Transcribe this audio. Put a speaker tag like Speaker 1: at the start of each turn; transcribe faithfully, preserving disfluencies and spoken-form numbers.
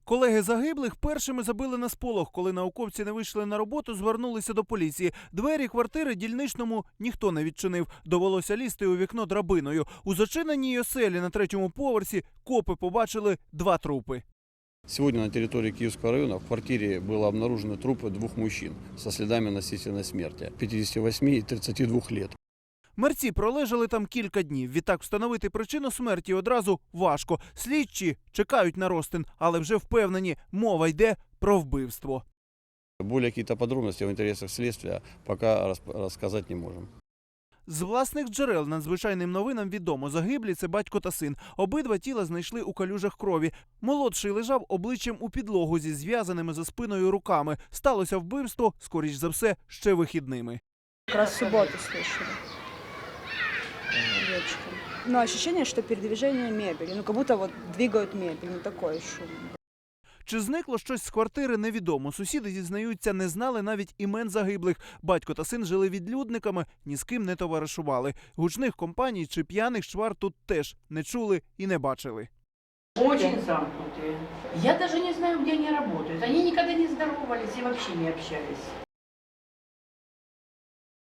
Speaker 1: Колеги загиблих першими забили на сполох. Коли науковці не вийшли на роботу, звернулися до поліції. Двері квартири дільничному ніхто не відчинив. Довелося лізти у вікно драбиною. У зачиненій оселі на третьому поверсі копи побачили два трупи.
Speaker 2: Сегодня на территории Киевского района в квартире было обнаружены трупы двух мужчин со следами насильственной смерти пятидесяти восьми и тридцати двух лет.
Speaker 1: Мерці пролежали там кілька днів. Відтак встановити причину смерті одразу важко. Слідчі чекають на розтин, але вже впевнені, мова йде про вбивство.
Speaker 2: Более какие-то подробности в интересах следствия пока рассказать не можем.
Speaker 1: З власних джерел надзвичайним новинам відомо. Загиблі – це батько та син. Обидва тіла знайшли у калюжах крові. Молодший лежав обличчям у підлогу зі зв'язаними за спиною руками. Сталося вбивство, скоріш за все, ще вихідними.
Speaker 3: Как раз в субботу слышали. Вечером. Но ощущение, что передвижение мебели. Ну, как будто вот двигают мебель. Ну, такой шум.
Speaker 1: Чи зникло щось з квартири, невідомо. Сусіди, зізнаються, не знали навіть імен загиблих. Батько та син жили відлюдниками, ні з ким не товаришували. Гучних компаній чи п'яних чвар тут теж не чули і не бачили.
Speaker 4: Очень замкнутые. Я даже не знаю, где они работают. Они никогда не здоровались и вообще не общались.